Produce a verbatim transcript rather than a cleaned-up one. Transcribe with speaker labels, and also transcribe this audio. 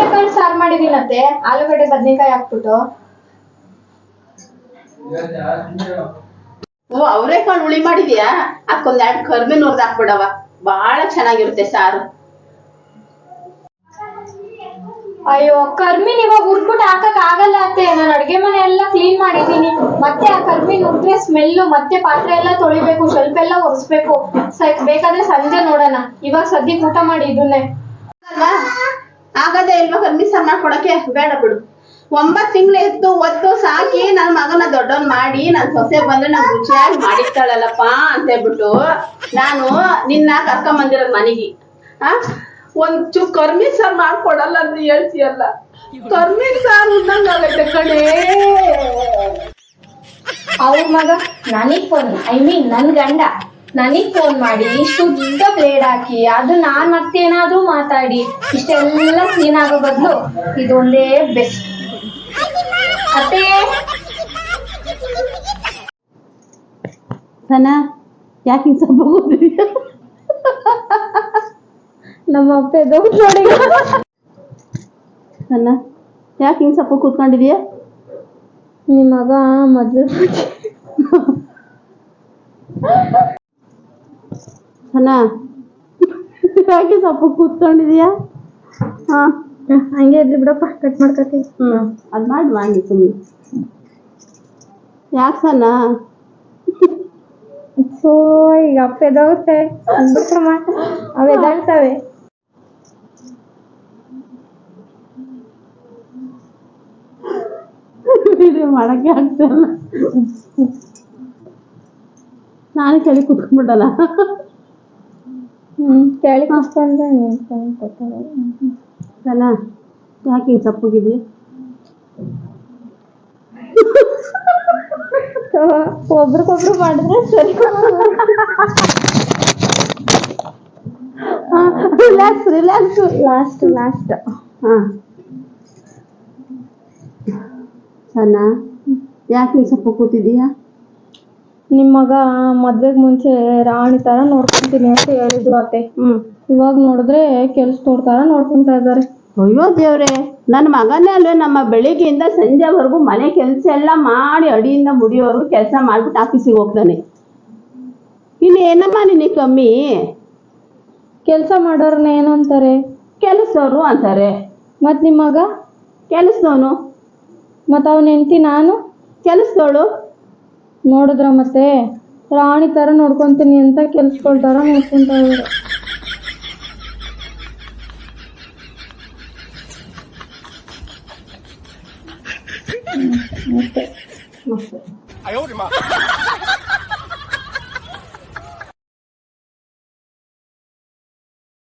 Speaker 1: ಅವರೆಕಾಳು ಸಾರು ಮಾಡಿದೀನತ್ತೆ, ಆಲೂಗಡ್ಡೆ ಬದ್ನೆಕಾಯಿ ಹಾಕ್ಬಿಟ್ಟು.
Speaker 2: ಓ ಅವರೆಕಾಳು ಹುಳಿ ಮಾಡಿದ್ಯಾ? ಹಾಕೊಂದ್ ಎರಡು ಕರ್ಬೇವಿನ ಹುರಿದು ಹಾಕ್ಬಿಡವ, ಬಹಳ ಚೆನ್ನಾಗಿರುತ್ತೆ ಸಾರು.
Speaker 1: ಅಯ್ಯೋ ಕರ್ಮೀನ್ ಇವಾಗ ಹುರ್ಬಿಟ್ಟು ಹಾಕಕ್ ಆಗಲ್ಲ ಅತ್ತೆ, ನಾನು ಅಡ್ಗೆ ಮನೆ ಎಲ್ಲ ಕ್ಲೀನ್ ಮಾಡಿದೀನಿ. ಮತ್ತೆ ಆ ಕರ್ಮೀನ್ ಹುರಿದ್ರೆ ಸ್ಮೆಲ್ಲು, ಮತ್ತೆ ಪಾತ್ರೆ ಎಲ್ಲ ತೊಳಿಬೇಕು, ಸ್ವಲ್ಪ ಎಲ್ಲ ಒರೆಸ್ಬೇಕು. ಬೇಕಾದ್ರೆ ಸಂಜೆ ನೋಡೋಣ, ಇವಾಗ ಸದ್ಯಕ್ಕೆ ಊಟ ಮಾಡಿ ಇದನ್ನೇ.
Speaker 2: ಅಲ್ವಾ ಆಗದೆ ಇಲ್ವಾ ಕರ್ಮಿ ಸಾರು ಮಾಡ್ಕೊಡಕ್ಕೆ? ಬೇಡ ಬಿಡು. ಒಂಬತ್ ತಿಂಗಳು ಎತ್ತು ಒತ್ತು ಸಾಕಿ ನನ್ ಮಗನ ದೊಡ್ಡವನ್ ಮಾಡಿ ನನ್ ಸೊಸೆ ಬಂದ್ರೆ ನನ್ ರುಚಿಯಾಗಿ ಮಾಡಿರ್ತಾಳಲ್ಲಪ್ಪ ಅಂತ ಹೇಳ್ಬಿಟ್ಟು ನಾನು ನಿನ್ನ ಕರ್ಕೊಂಡ್ ಬಂದಿರೋದ್ ಮನೆಗೆ. ಆ ಒಂಚೂ ಕರ್ಮಿ ಸಾರು ಮಾಡ್ಕೊಡಲ್ಲ ಅಂತ ಹೇಳ್ತೀಯಲ್ಲ, ಕರ್ಮಿ ಸಾರು ಉಣ್ಣಂಗಾಗೈತೆ ಕಣೇ.
Speaker 1: ಅವ್ರ ಮಗ ನನಗ್ ಫೋನ್, ಐ ಮೀನ್ ನನ್ ಗಂಡ ನನಗ್ ಫೋನ್ ಮಾಡಿ ಶುದ್ಧ ಬ್ಲೇಡ್ ಹಾಕಿ ಅದು ನಾನ್ ಮತ್ತೇನಾದ್ರೂ ಮಾತಾಡಿ ಇಷ್ಟೆಲ್ಲ ಸೀನ್ ಆಗೋ ಬದಲು ಇದೊಂದೇ ಬೆಸ್ಟ್. ಅತ್ತೆ
Speaker 2: ಸನಾ ಯಾಕೆ ಹಿಂಗ್ ಸ್ವಲ್ಪ ಹೋಗುದಿದ್ಯಾ?
Speaker 1: ನಮ್ಮ ಅಪ್ಪ ಎದ್ದೋಗ್ ನೋಡಿ.
Speaker 2: ಸನಾ ಯಾಕೆ ಹಿಂಗ್ ಸ್ವಲ್ಪ ಕೂತ್ಕೊಂಡಿದ್ಯಾ?
Speaker 1: ನಿಮ್ ಮಗ ಮದ್ವೆ
Speaker 2: ಸನಾ ಯಾಕೆ ಸ್ವಲ್ಪ ಕೂತ್ಕೊಂಡಿದ್ಯಾ? ಹಾ
Speaker 1: ಹಂಗೆ ಇರ್ಲಿ ಬಿಡಪ್ಪ, ಕಟ್ ಮಾಡ್ಕೊತೀವಿ.
Speaker 2: ಹ್ಮ್ ಅದ್ ಮಾಡಿ ಮಾಡಿ ಸುಮ್ಮನೆ. ಯಾಕೆ ಸನಾ?
Speaker 1: ಸೊ ಈಗ ಅಪ್ಪ ಎದೋಗುತ್ತೆ ಅವ್ ಎದಾಳ್ತವೆ.
Speaker 2: ಮಾಡಕ್ಕೆ ಆಗ್ತಲ್ಲ, ನಾನು ಕೆಳಗೆ ಕುತ್ಕೊಂಡ್ಬಿಡಲ್ಲ.
Speaker 1: ಹ್ಮ್ ಕೆಳಗೆ ಕುತ್ಕೊಂಡ್ರೆ ನಿಂತ್ಕೊಂಡು ಕೂತ್ಕೊಳ್ಳೋದು.
Speaker 2: ಸನಾ ಯಾಕೆ ಹಿಂಗೆ ಸಪ್ಪಗಿದ್ಯಾ?
Speaker 1: ಒಬ್ರಿಗೊಬ್ರು ಮಾಡಿದ್ರೆ ಸರಿ.
Speaker 2: ರಿಲ್ಯಾಕ್ಸ್ ರಿಲ್ಯಾಕ್ಸ್
Speaker 1: ಲಾಸ್ಟ್ ಲಾಸ್ಟ್
Speaker 2: ಹಾ. ಸನಾ ಯಾಕೆ ಹಿಂಗೆ ಸಪ್ಪ ಕೂತಿದೀಯಾ?
Speaker 1: ನಿಮ್ಮ ಮಗ ಮದ್ವೆಗ್ ಮುಂಚೆ ರಾಣಿ ತರ ನೋಡ್ಕೊಂತೀನಿ ಅಂತ ಹೇಳಿದ್ರು ಅತ್ತೆ.
Speaker 2: ಹ್ಮ್
Speaker 1: ಇವಾಗ ನೋಡಿದ್ರೆ ಕೆಲ್ಸದವ್ರ ತರ ನೋಡ್ಕೊಂತಾ ಇದ್ದಾರೆ.
Speaker 2: ಅಯ್ಯೋ ದೇವ್ರೆ, ನನ್ನ ಮಗನೇ ಅಲ್ವೇ ನಮ್ಮ ಬೆಳಿಗ್ಗೆಯಿಂದ ಸಂಜೆವರೆಗೂ ಮನೆ ಕೆಲಸ ಎಲ್ಲ ಮಾಡಿ ಅಡಿಯಿಂದ ಮುಡಿಯೋವರೆಗೂ ಕೆಲಸ ಮಾಡ್ಬಿಟ್ಟು ಆಫೀಸಿಗೆ ಹೋಗ್ತಾನೆ. ಇನ್ನು ಏನಮ್ಮ ನಿನಗೆ ಕಮ್ಮಿ?
Speaker 1: ಕೆಲಸ ಮಾಡೋರ್ನ ಏನು ಅಂತಾರೆ?
Speaker 2: ಕೆಲಸದವರು ಅಂತಾರೆ.
Speaker 1: ಮತ್ ನಿಮ್ಮ ಮಗ
Speaker 2: ಕೆಲಸದವನು,
Speaker 1: ಮತ್ ಅವನ ಹೆಂಡತಿ ನಾನು
Speaker 2: ಕೆಲಸದವಳು.
Speaker 1: ನೋಡಿದ್ರ ಮತ್ತೆ ರಾಣಿ ತರ ನೋಡ್ಕೊಂತೀನಿ ಅಂತ ಕೆಲ್ಸಗಳ ತರ ನೋಡ್ಕೊಂತ ಇದ್ದಾರೆ. ಮತ್ತೆ